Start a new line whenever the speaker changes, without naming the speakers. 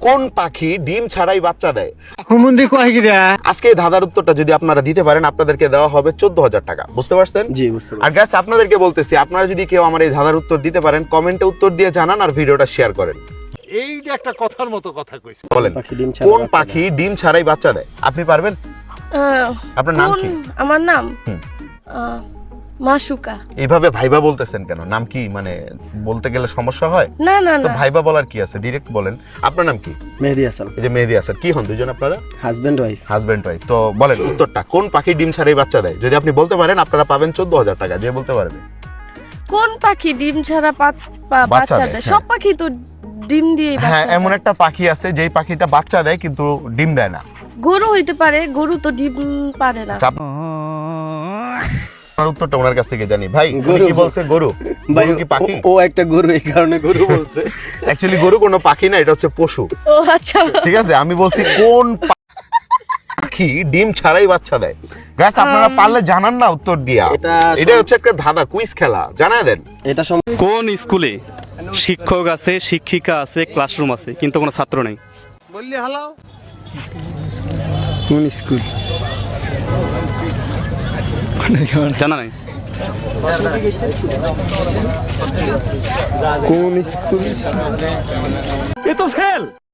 কোন পাখি ডিম ছাড়াই বাচ্চা দেয়?
হুমুন্দি কয় গিরা
আজকে এই ধাঁধার উত্তরটা যদি আপনারা দিতে পারেন আপনাদেরকে দেওয়া হবে 14,000 টাকা। বুঝতে পারছেন?
জি বুঝতে
আর গাইস আপনাদেরকে বলতেছি, আপনারা যদি কেউ আমার এই ধাঁধার উত্তর দিতে পারেন কমেন্টে উত্তর দিয়ে জানান আর ভিডিওটা শেয়ার করেন।
এইটা একটা কথার মতো কথা কইছে।
বলেন
পাখি ডিম ছাড়া
কোন
বাচ্চা
পাখি ডিম ছাড়াই বাচ্চা দেয়? আপনি পারবেন? আপনার নাম কি?
আমার নাম
হুম।
মাসুকা।
এইভাবে ভাইবা বলতেছেন কেন? নাম কি মানে বলতে গেলে সমস্যা হয়?
না না
তো
না,
ভাইবা বলার কি আছে, ডিরেক্ট বলেন। আপনার নাম কি?
মেহেদি হাসান,
এই যে মেহেদি হাসান, কি হন দুজন আপনারা?
Husband wife.
Husband wife. তো বলেন উত্তরটা, কোন পাখি ডিম ছাড়াই বাচ্চা দেয়? যদি আপনি বলতে পারেন আপনারা পাবেন 14,000 টাকা, যে বলতে পারবে।
কোন পাখি ডিম ছাড়া
বাচ্চা
বাচ্চা
দেয়,
দেয়?
হ্যাঁ।
সব পাখি তো ডিম দিয়ে
হ্যাঁ, এমন একটা পাখি আছে যেই পাখিটা বাচ্চা দেয় কিন্তু ডিম দেয় না।
গরু হইতে পারে, গরু তো ডিম পারে না।
আপনার উত্তরটা ওনার কাছ থেকে জানি। ভাই উনি
গরু।
কি বলছে? গরু?
ভাই
গরু কি পাখি?
ও একটা গরু, এই কারণে গরু বলছে।
অ্যাকচুয়ালি গরু কোনো পাখি না, এটা হচ্ছে পশু।
ও আচ্ছা,
ঠিক আছে, আমি বলছি কোন পাখি ডিম ছাড়াই বাচ্চা দেয়। গাইস আপনারা পারলে জানান না উত্তর দিয়া। এটা হচ্ছে একটা ধাঁধা, কুইজ খেলা, জানায় দেন।
এটা
কোন স্কুলে শিক্ষক আছে, শিক্ষিকা আছে, ক্লাসরুম আছে কিন্তু কোনো ছাত্র নেই?
বললি হালাও।
কোন স্কুল?
জানা নাই?
কোন স্কুল?
এ তো ফেল।